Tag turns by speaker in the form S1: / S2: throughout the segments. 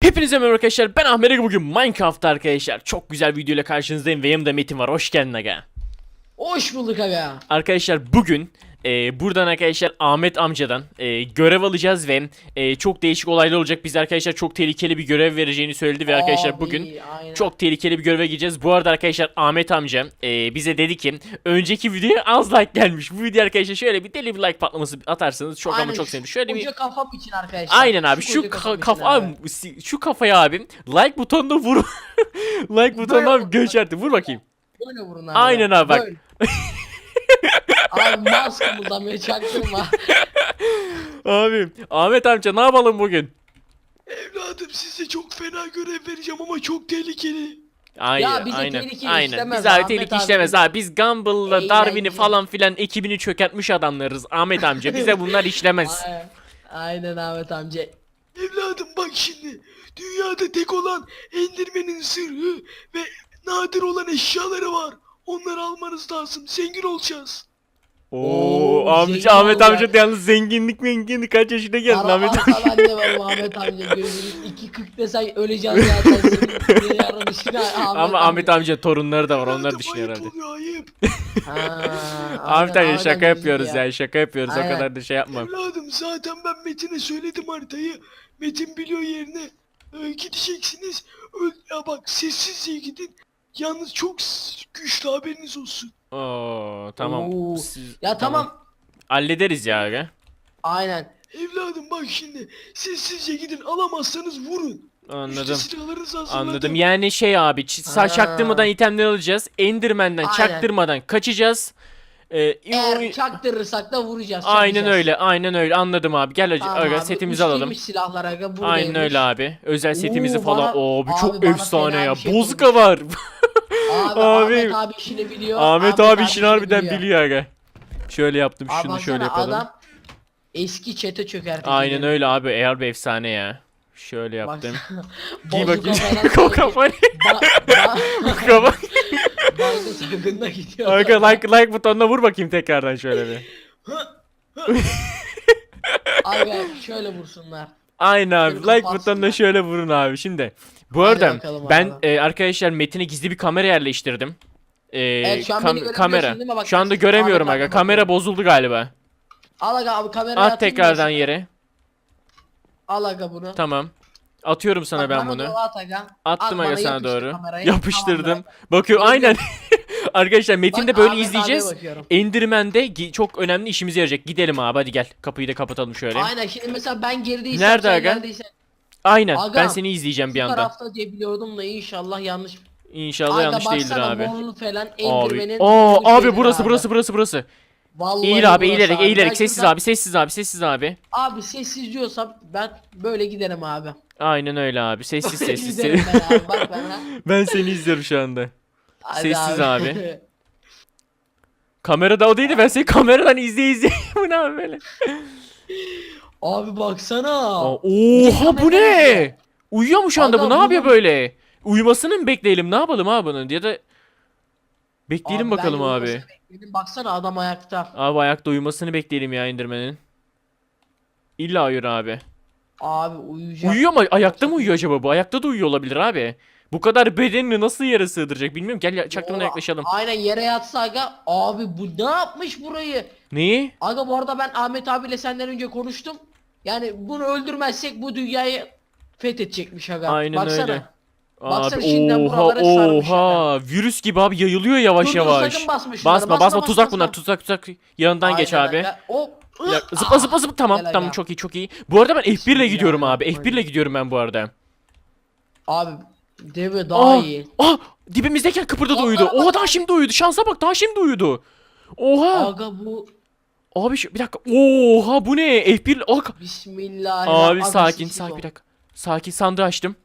S1: Hepinize merhaba arkadaşlar, ben Ahmet Aga. Bugün Minecraft'ta arkadaşlar çok güzel video ile karşınızdayım ve yanımda Metin var. Hoş geldin aga.
S2: Hoş bulduk aga.
S1: Arkadaşlar bugün buradan arkadaşlar Ahmet amcadan görev alacağız ve çok değişik olaylar olacak. Biz arkadaşlar çok tehlikeli bir görev vereceğini söyledi ve arkadaşlar
S2: Abi,
S1: bugün
S2: aynen.
S1: çok tehlikeli bir göreve gireceğiz. Bu arada arkadaşlar Ahmet amca bize dedi ki önceki videoya az like gelmiş. Bu video arkadaşlar şöyle bir deli bir like patlaması atarsanız çok ama çok sevinirim. Şöyle bir
S2: koca kafam için arkadaşlar.
S1: aynen abi şu
S2: koca kafam için
S1: kafa
S2: abi.
S1: abi, şu kafaya abi like butonuna vur. Like butonuna abi göçerdi. Vur bakayım.
S2: Böyle vurun abi.
S1: Aynen abi, bak.
S2: Böyle. Abi mouse kımıldamıyor, çaktırma.
S1: Abi Ahmet amca ne yapalım bugün?
S3: Evladım size çok fena görev vereceğim ama çok tehlikeli.
S1: Aynen,
S2: Ya bize
S1: aynen,
S2: tehlike
S1: aynen.
S2: işlemez
S1: Biz abi
S2: Ahmet
S1: tehlike
S2: abi.
S1: işlemez abi. Biz Gumball'la
S2: Eğlenceli.
S1: Darwin'i falan filan ekibini çökertmiş adamlarız. Ahmet amca bize bunlar işlemez.
S2: Aynen Ahmet amca.
S3: Evladım bak şimdi. Dünyada tek olan Enderman'in sırrı ve nadir olan eşyaları var. Onları almanız lazım. Zengin olacağız.
S1: Oo amca,
S2: zengin
S1: Ahmet
S2: olacak.
S1: amca yalnız zenginlik kaç yaşına geldin Ahmet amca.
S2: Ben de varım Ahmet amca. Gözünüz 2.40 desen öleceğiz zaten. Senin yarın işine
S1: Ama Ahmet amca torunları da var, onlar
S3: Evladım,
S1: düşünüyor
S3: ayıp
S1: herhalde.
S3: oluyor ayıp.
S1: Ahmet amca şaka
S2: amca
S1: yapıyoruz
S2: ya.
S1: ya, şaka yapıyoruz, o
S2: Aynen.
S1: kadar da şey yapma.
S3: Evladım zaten ben Metin'e söyledim haritayı. Metin biliyor yerini. Gideceksiniz. Ya bak sessizce gidin. Yalnız çok güçlü, haberiniz olsun.
S1: Oo tamam.
S2: Oo.
S1: Siz-
S2: Ya tamam.
S1: Hallederiz ya aga.
S2: Aynen.
S3: Evladım bak şimdi. Sessizce gidin, alamazsanız vurun. İşte
S1: Anladım.
S3: silahlarınızı hazırladım.
S1: Anladım. Yani şey abi, çaktırmadan itemler alacağız. Enderman'den
S2: Aynen.
S1: çaktırmadan kaçacağız.
S2: Eğer çaktırırsak da vuracağız.
S1: Aynen
S2: çakacağız.
S1: öyle, aynen öyle. Anladım abi. Gel
S2: Tamam
S1: aga,
S2: abi,
S1: setimizi alalım.
S2: üçlüymüş silahlar aga, buradaymış.
S1: Aynen öyle abi. Özel setimizi
S2: Oo,
S1: falan.
S2: bana-
S1: Oo, bu
S2: abi
S1: çok
S2: bana
S1: efsane
S2: fena
S1: ya.
S2: bir şey
S1: Bozka var.
S2: Abi,
S1: Abi.
S2: Ahmet abi işini biliyor.
S1: Ahmet abi işini harbiden
S2: biliyor.
S1: biliyor aga. Şöyle yaptım,
S2: Abi
S1: şunu şöyle
S2: baksana,
S1: yapalım.
S2: adam eski çete çökertti.
S1: Aynen öyle abi. Eğer bir efsane ya. Şöyle yaptım. Giy
S2: Bozuk
S1: bakayım.
S2: kafadan
S1: Kokaman. Kokaman.
S2: Banka soygununa gidiyor.
S1: Arka like butonuna vur bakayım tekrardan şöyle bir.
S2: Abi şöyle vursunlar.
S1: Aynen abi.
S2: Şöyle
S1: Like
S2: kapatsınlar.
S1: butonuna şöyle vurun abi. Şimdi bu
S2: Hadi
S1: arada
S2: bakalım
S1: ben
S2: abi.
S1: arkadaşlar Metin'e gizli bir kamera yerleştirdim.
S2: Evet, şu an beni görebiliyorsun
S1: Kamera.
S2: değil mi? Bak,
S1: Şu anda
S2: ben
S1: göremiyorum
S2: Ahmet
S1: aga.
S2: abi
S1: Kamera
S2: bakıyorum.
S1: bozuldu galiba.
S2: Al aga abi kamerayı
S1: At
S2: atayım
S1: tekrardan
S2: ben sana.
S1: yere.
S2: Al aga bunu.
S1: Tamam. Atıyorum sana
S2: Bak,
S1: ben
S2: bana
S1: bunu.
S2: doğru at aga.
S1: Attım
S2: At,
S1: aga
S2: bana
S1: sana
S2: yapıştır
S1: doğru.
S2: kamerayı.
S1: Yapıştırdım.
S2: Tamamdır.
S1: Bakıyor aynen. Arkadaşlar Metin de
S2: Bak,
S1: böyle
S2: Ahmet
S1: izleyeceğiz.
S2: abiye bakıyorum.
S1: Enderman'de çok önemli işimize yarayacak. Gidelim abi, hadi gel. Kapıyı da kapatalım şöyle.
S2: Aynen, şimdi mesela ben gerideysem
S1: Nerede
S2: sen
S1: aga?
S2: neredeysen
S1: Aynen.
S2: Aga,
S1: Ben seni izleyeceğim
S2: şu
S1: bir yandan.
S2: tarafta diye biliyordum da inşallah yanlış.
S1: İnşallah
S2: Aga
S1: yanlış değildir
S2: baksana,
S1: abi.
S2: morlu falan
S1: Abi.
S2: Enderman'in
S1: Aa
S2: morlu
S1: abi,
S2: şeyleri
S1: burası.
S2: Vallahi
S1: Eğil abi,
S2: burası
S1: eğilerek
S2: abi.
S1: eğilerek
S2: Ben
S1: sessiz
S2: şuradan-
S1: abi, sessiz abi.
S2: Abi sessiz diyorsam ben böyle giderim abi.
S1: Aynen öyle abi. Sessiz
S2: Böyle
S1: sessiz.
S2: giderim ben abi, bak bana.
S1: Ben seni izliyorum şu anda.
S2: Hadi
S1: Sessiz abi. Kamerada o değildi, ben seni kameradan izleye. Bu ne abi böyle?
S2: Abi baksana.
S1: Oha bu ne? Uyuyor mu şu anda
S2: Aga,
S1: bu? Ne yapıyor
S2: bunu-
S1: böyle? Uyumasını mı bekleyelim? Ne yapalım abi bunun? Ya da bekleyelim
S2: Abi,
S1: bakalım
S2: ben
S1: abi.
S2: uyumasını bekledim. Baksana adam ayakta.
S1: Abi ayakta uyumasını bekleyelim ya Enderman'in. İlla uyur abi.
S2: Abi uyuyacak.
S1: Uyuyor mu? Ayakta mı uyuyor acaba bu? Ayakta da uyuyor olabilir abi. Bu kadar bedenini nasıl yere sığdıracak bilmiyorum. Gel çaktırmadan
S2: Yo,
S1: yaklaşalım.
S2: Aynen, yere yatsa aga. Abi bu ne yapmış burayı?
S1: Neyi?
S2: Aga bu arada ben Ahmet abiyle senden önce konuştum. Yani bunu öldürmezsek bu dünyayı fethedecekmiş aga.
S1: Aynen
S2: Baksana.
S1: öyle.
S2: Baksana,
S1: Abi
S2: şimdiden
S1: oha
S2: buralara sarmış
S1: oha. Virüs gibi abi yayılıyor yavaş
S2: Dur, dur,
S1: yavaş.
S2: sakın basma şunları,
S1: Basma tuzak bunlar, tuzak. Yanından geç
S2: Aynen
S1: abi.
S2: aga. Hop.
S1: Bir dakika, zıpla tamam
S2: Gel
S1: tamam,
S2: aga.
S1: çok iyi. Bu arada ben F1 ile gidiyorum abi.
S2: Bismillahirrahmanirrahim.
S1: F1 ile gidiyorum ben bu arada.
S2: Abi deve daha iyi.
S1: Dibimizdeyken kıpırdadı,
S2: Aa,
S1: uyudu.
S2: bak,
S1: Oha,
S2: bak.
S1: daha şimdi uyudu. Şansa bak, daha şimdi uyudu. Oha.
S2: Aga bu
S1: Abi bir dakika. Oha bu ne? F1
S2: Bismillahirrahmanirrahim.
S1: Abi
S2: Aga,
S1: sakin
S2: sessiz ol.
S1: bir dakika. Sakin, sandığı açtım.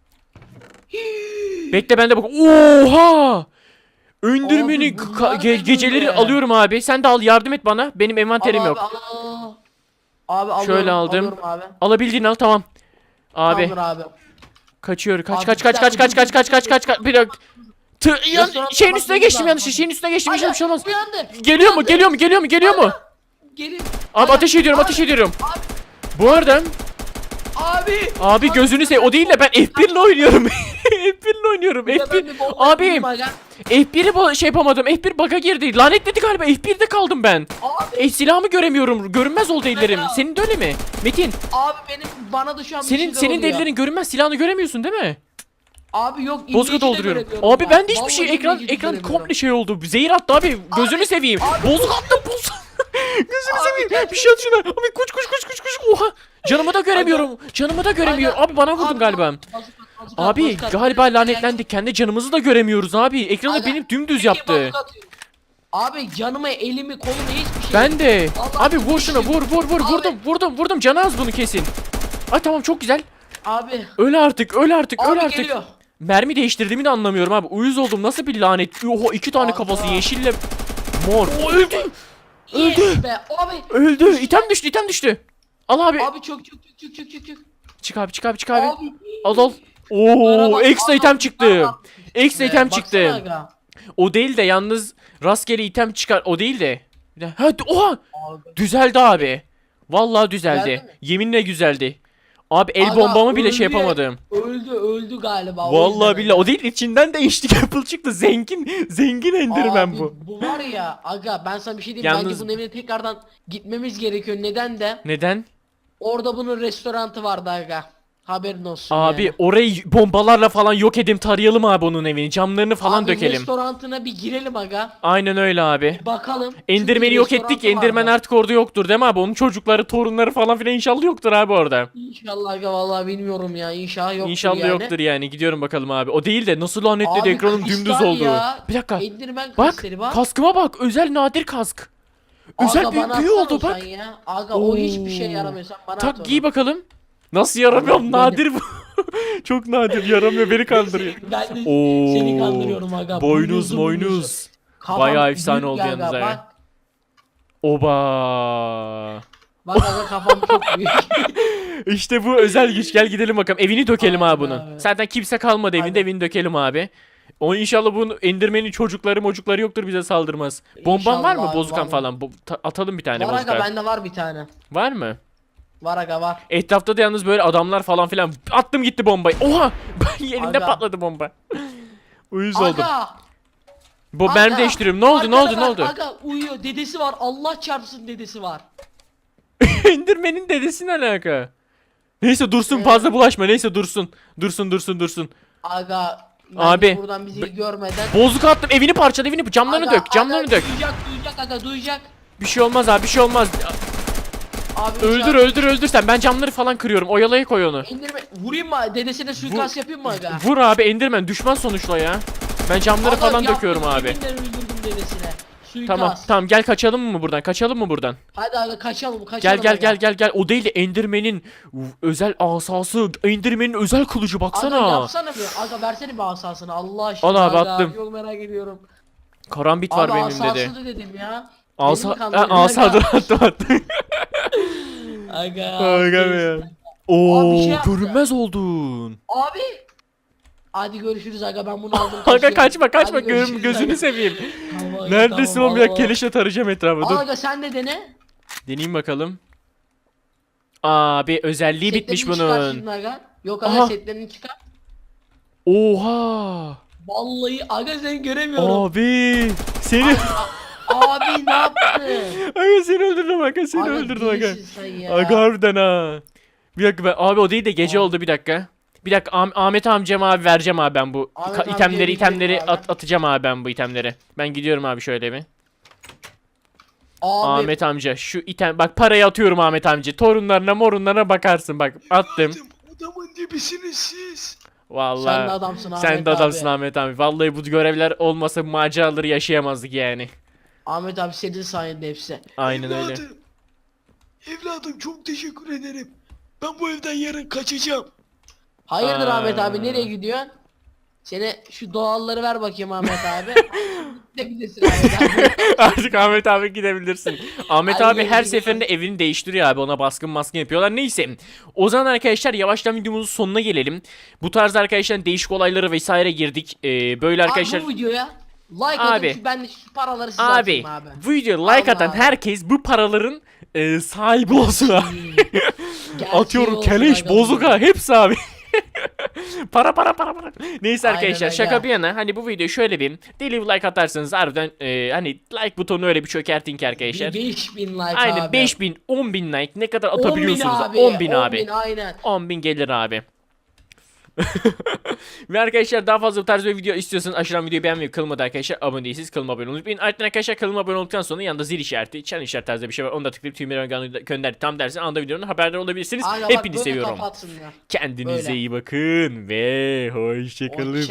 S1: Bekle ben de bak. Oha! Öndürmeni
S2: Abi bunlar ne
S1: geceleri
S2: böyle?
S1: alıyorum abi. Sen de al, yardım et bana. Benim envanterim
S2: Al
S1: yok.
S2: Abi, al. Abi alıyorum,
S1: Şöyle aldım.
S2: alıyorum abi.
S1: Alabildiğini al, tamam. Abi
S2: Tamamdır abi.
S1: kaçıyor. Kaç
S2: Abi,
S1: kaç
S2: bir
S1: kaç
S2: dakika,
S1: kaç kaç kaç kaç kaç kaç. Bir dakika.
S2: Restoranına
S1: Şeyin üstüne
S2: bakmamız
S1: geçtim,
S2: lazım.
S1: yanlış. Şeyin üstüne geçtim. Bir şey olmaz.
S2: Uyandı.
S1: Geliyor mu? Geliyor mu?
S2: Gelin.
S1: Abi ateş ediyorum. Bu arada Abi gözünü seveyim. O değil de ben F1 ile oynuyorum. F1 ile oynuyorum. F1. Abi F1'i şey yapamadım. F1 bug'a girdi. Lanetledi galiba. F1'de kaldım ben. Silahımı göremiyorum. Görünmez oldu ellerim. Senin de öyle mi? Metin.
S2: Abi bana da şu an bir
S1: Senin
S2: şeyler oluyor.
S1: ellerin görünmez. Silahını göremiyorsun değil mi?
S2: Abi yok.
S1: Bozkurt
S2: ince içi de
S1: dolduruyorum.
S2: göremiyorum
S1: Abi ben de hiçbir
S2: Vallahi
S1: şey
S2: ince
S1: ekran
S2: içi de göremiyorum.
S1: komple şey oldu. Zehir attı abi. Gözünü seveyim. Bozuk attım bozuk. Gözünü seveyim. Bir şey at şuna. Abi koş. Oha. Canımı da göremiyorum. Canımı da göremiyor. Abi bana vurdun galiba. Abi galiba lanetlendik. Kendi canımızı da göremiyoruz abi. Ekranı
S2: Aga,
S1: benim dümdüz yaptı.
S2: Abi canımı, elimi, kolumu hiçbir şey.
S1: Ben de.
S2: Allah
S1: Abi vur şuna vur. Vurdum. Canı az bunu kesin. Ay tamam çok güzel.
S2: Abi.
S1: Öl artık.
S2: Abi geliyor.
S1: Mermi değiştirdiğimi de anlamıyorum abi. Uyuz oldum. Nasıl bir lanet? Oha 2 tane
S2: Aga.
S1: kafası yeşille mor. O öldü.
S2: Yes be abi.
S1: Öldü. İtem düştü. Al abi.
S2: Abi çok.
S1: Çık abi.
S2: Abi.
S1: Al. Oo,
S2: Bak,
S1: ekstra item çıktı.
S2: bak.
S1: Ekstra item çıktı.
S2: Baksana aga.
S1: O değil de yalnız rastgele item çıkar. O değil de. Oha!
S2: Abi.
S1: Düzeldi abi. Vallahi düzeldi.
S2: Düzeldi mi?
S1: Yeminle güzeldi. Abi el
S2: Aga,
S1: bombamı bile
S2: öldü
S1: şey
S2: ya.
S1: yapamadım.
S2: Öldü galiba. o
S1: Vallahi
S2: yüzden
S1: billahi
S2: öyle.
S1: o değil içinden değişti Apple çıktı. Zengin Enderman
S2: Abi,
S1: bu.
S2: Bu var ya aga ben sana bir şey diyeyim.
S1: Yalnız-
S2: Bence bunun evine tekrardan gitmemiz gerekiyor. Neden de?
S1: Neden?
S2: Orada bunun restorantı vardı aga. Haberin olsun
S1: Abi
S2: yani.
S1: orayı bombalarla falan yok edelim, tarayalım abi onun evini. Camlarını falan
S2: Abi,
S1: dökelim.
S2: restorantına bir girelim aga.
S1: Aynen öyle abi.
S2: Bakalım.
S1: Enderman'i
S2: Çünkü
S1: yok ettik.
S2: restorantı
S1: Enderman
S2: vardı.
S1: artık orada yoktur değil mi abi? Onun çocukları, torunları falan filan inşallah yoktur abi orada.
S2: İnşallah aga vallahi bilmiyorum ya. İnşallah yoktur
S1: İnşallah
S2: yani.
S1: yoktur yani. Gidiyorum bakalım abi. O değil de nasıl lanetledi
S2: Abi,
S1: ekranım
S2: kristal
S1: dümdüz oldu.
S2: ya.
S1: Bir dakika.
S2: Enderman
S1: Bak
S2: kristali bak.
S1: kaskıma bak. Özel nadir kask. Özel
S2: Aga,
S1: büyük
S2: bana
S1: büyü
S2: atsana
S1: oldu
S2: o
S1: bak.
S2: sen ya. Aga o hiçbir şey yaramıyor sen bana at
S1: Tak
S2: onu.
S1: giy bakalım. Nasıl yaramıyorum?
S2: Benim-
S1: Nadir bu. Çok nadir yaramıyor, beni kandırıyor.
S2: Ben de
S1: Oo,
S2: seni kandırıyorum aga.
S1: Boynuz
S2: Boynuzlu,
S1: moynuz.
S2: Kafam
S1: Bayağı efsane
S2: büyük
S1: oldu
S2: aga,
S1: yalnız ha.
S2: Bak,
S1: Oba.
S2: bak aga kafam çok büyük.
S1: İşte bu özel güç. Gel gidelim bakalım. Evini dökelim abi bunun.
S2: Abi.
S1: Zaten kimse kalmadı evinde.
S2: Aynen.
S1: Evini dökelim abi. O inşallah bunun Enderman'in çocukları yoktur, bize saldırmaz. Bomban var mı?
S2: İnşallah,
S1: Bozkan
S2: vallahi.
S1: falan. Atalım bir tane
S2: Var aga
S1: bozkan.
S2: bende var bir tane.
S1: Var mı?
S2: Var aga var.
S1: Etrafta da yalnız böyle adamlar falan filan. Attım gitti bombayı. Oha! Yerinde
S2: Aga.
S1: patladı bomba. Uyuz oldum.
S2: Aga.
S1: Ben
S2: aga.
S1: değiştiriyorum. Ne oldu?
S2: Arkada
S1: Ne
S2: bak,
S1: oldu?
S2: Aga uyuyor. Dedesi var. Allah çarpsın dedesi var.
S1: Enderman'in dedesi ne alaka? Neyse dursun, fazla bulaşma. Neyse dursun. Dursun.
S2: Aga.
S1: Abi,
S2: Abi. Buradan bizi görmeden.
S1: Bozuk attım. Evini parçaladı. Camlarını
S2: Aga,
S1: dök. Camlarını
S2: aga,
S1: dök.
S2: Duyacak aga duyacak.
S1: Bir şey olmaz abi. Bir şey olmaz.
S2: Abi
S1: Öldür sen. Ben camları falan kırıyorum. Oyalaya koy onu.
S2: İndirme. Vurayım mı? Dedesine suikast yapayım mı aga?
S1: Vur abi, Enderman düşman sonuçta ya. Ben camları
S2: Aga,
S1: falan
S2: yaptım,
S1: döküyorum abi.
S2: yeminle öldürdüm dedesine. Suikast.
S1: Tamam gel kaçalım mı buradan? Kaçalım mı buradan?
S2: Hadi aga kaçalım
S1: Gel. O değil de Enderman'in özel asası, Enderman'in özel kılıcı baksana.
S2: Aga yapsana bir. Aga versene bir asasını Allah aşkına.
S1: Al abi,
S2: aga.
S1: attım.
S2: Çok merak ediyorum.
S1: Karambit var
S2: Abi
S1: benim
S2: asası
S1: dedi.
S2: da dedim ya.
S1: Asa dur attım.
S2: Aga.
S1: Aga be ya.
S2: Abi
S1: Oo,
S2: bir şey yaptı.
S1: görünmez oldun.
S2: Abi. Hadi görüşürüz aga ben bunu aldım.
S1: Aga
S2: kaçıyorum.
S1: kaçma
S2: Hadi görüşürüz
S1: gözünü
S2: aga.
S1: seveyim.
S2: Tamam aga,
S1: Neredesin
S2: tamam,
S1: oğlum ya,
S2: Allah.
S1: keleşle tarayacağım etrafı. Dur.
S2: Aga sen de dene.
S1: Deneyeyim bakalım. Abi özelliği bitmiş
S2: Setlerini çıkar
S1: bunun.
S2: şimdi aga. Yok aga
S1: Aha.
S2: setlerini çıkar.
S1: Oha.
S2: Vallahi aga seni göremiyorum.
S1: Abi seni
S2: Abi ne yaptın?
S1: aga seni öldürdüm aga, seni
S2: Aga,
S1: öldürdüm aga.
S2: delisin sen ya.
S1: Aga harbiden ha. Bir dakika abi o değil de gece oldu, bir dakika. Bir dakika Ahmet amcama abi vereceğim abi ben bu
S2: Ahmet amcaya
S1: itemleri
S2: gidelim abi.
S1: atacağım abi ben bu itemleri. Ben gidiyorum abi şöyle bir.
S2: Abi
S1: Ahmet amca şu item bak, parayı atıyorum Ahmet amca. Torunlarına morunlarına bakarsın bak, attım.
S3: Adamın dibisiniz siz.
S1: Vallahi.
S2: sen de adamsın Ahmet
S1: Sen de adamsın
S2: abi.
S1: Ahmet abi. Vallahi bu görevler olmasa bu maceraları yaşayamazdık yani.
S2: Ahmet abi senin sayende hepsi.
S1: Aynen öyle.
S3: Evladım çok teşekkür ederim. Ben bu evden yarın kaçacağım.
S2: Hayırdır
S1: Aa.
S2: Ahmet abi nereye gidiyorsun? Sene şu doğalları ver bakayım Ahmet abi. Gidebilirsin Ahmet abi.
S1: Artık Ahmet abi gidebilirsin. Ahmet
S2: Ay,
S1: abi her
S2: gidelim.
S1: seferinde evini değiştiriyor abi. Ona baskın yapıyorlar. Neyse. O zaman arkadaşlar yavaştan videomuzun sonuna gelelim. Bu tarz arkadaşlar değişik olaylara vesaire girdik. Böyle arkadaşlar.
S2: Abi bu videoya like
S1: Abi.
S2: atın ki ben de şu paraları size
S1: Abi
S2: atayım abi.
S1: bu videoya like atan
S2: Allah.
S1: herkes bu paraların sahibi olsun abi.
S2: Gerçeği
S1: Atıyorum
S2: olsun
S1: keleş,
S2: aga.
S1: bozuka hepsi abi. para. Neyse
S2: Aynen
S1: arkadaşlar
S2: öyle.
S1: şaka bir yana hani bu videoyu şöyle bir deli bir like atarsanız harbiden hani like butonu öyle bir çökertin ki arkadaşlar.
S2: 5000 like
S1: Aynen
S2: abi.
S1: 5000 10.000 like ne kadar
S2: 10.000
S1: atabiliyorsunuz?
S2: abi.
S1: 10.000 abi.
S2: 10.000 aynen.
S1: 10.000 gelir abi. Ve arkadaşlar daha fazla bu tarz bir video istiyorsanız aşağıdan videoyu beğenmeyi, kanalıma arkadaşlar abone değilseniz kanalıma abone olmayı unutmayın. Ardından arkadaşlar kanalıma abone olduktan sonra yanında zil işareti, çan işareti tarzı bir şey var. Onu da tıklayıp tüm gönder tam dersin anda videonun haberdar olabilirsiniz.
S2: Aynen bak,
S1: Hepinizi
S2: böyle
S1: seviyorum.
S2: kapatsınlar.
S1: Kendinize
S2: Böyle.
S1: iyi bakın ve hoşçakalın.